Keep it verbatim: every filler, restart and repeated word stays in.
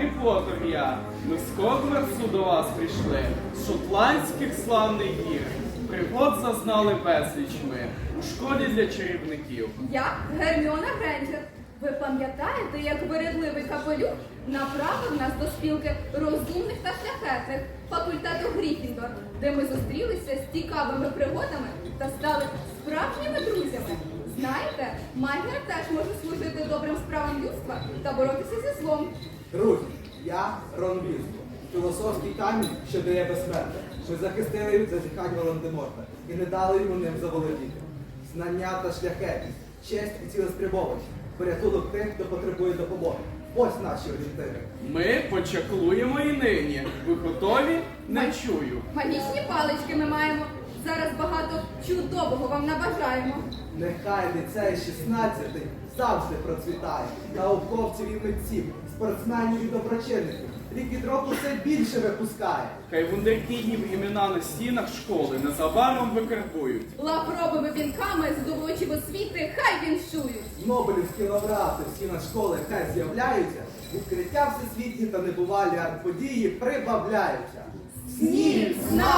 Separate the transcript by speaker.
Speaker 1: Гаррі Поттер я. Ми з Хогвартсу до вас прийшли, з шотландських славних гір. Пригод зазнали безліч ми у школі для чарівників.
Speaker 2: Я Герміона Грейнджер. Ви пам'ятаєте, як вирядливий капелюх направив нас до спілки розумних та шляхетних факультету Гріфіндор, де ми зустрілися з цікавими пригодами та стали справжніми друзями. Знаєте, магія теж може служити добрим справам людства та боротися зі злом.
Speaker 3: Друзі, я Рон Візлі. Філософський камінь, що дає безсмертя. Ми захистили від зазіхань Волан-де-Морта і не дали йому ним заволодіти. Знання та шляхетність, честь і цілеспрямованість, порятунок тих, хто потребує допомоги. Ось наші орієнтири.
Speaker 1: Ми почаклуємо і нині. Ви готові? Не чую.
Speaker 2: Магічні палички ми маємо. Зараз багато чудового вам набажаємо.
Speaker 3: Нехай ліцей шістнадцятий завжди процвітає. Науковців і митців, спортсменів і доброчинників. Рік від року все більше випускає.
Speaker 1: Хай вундеркіндів імена на стінах школи незабаром викарбують.
Speaker 2: Лавровими вінками, здобувачі освіти, хай віншують.
Speaker 3: Нобелівські лауреати всі на школи хай з'являються. Відкриття всесвітні та небувалі арт-події прибавляються.
Speaker 2: Снів, знань!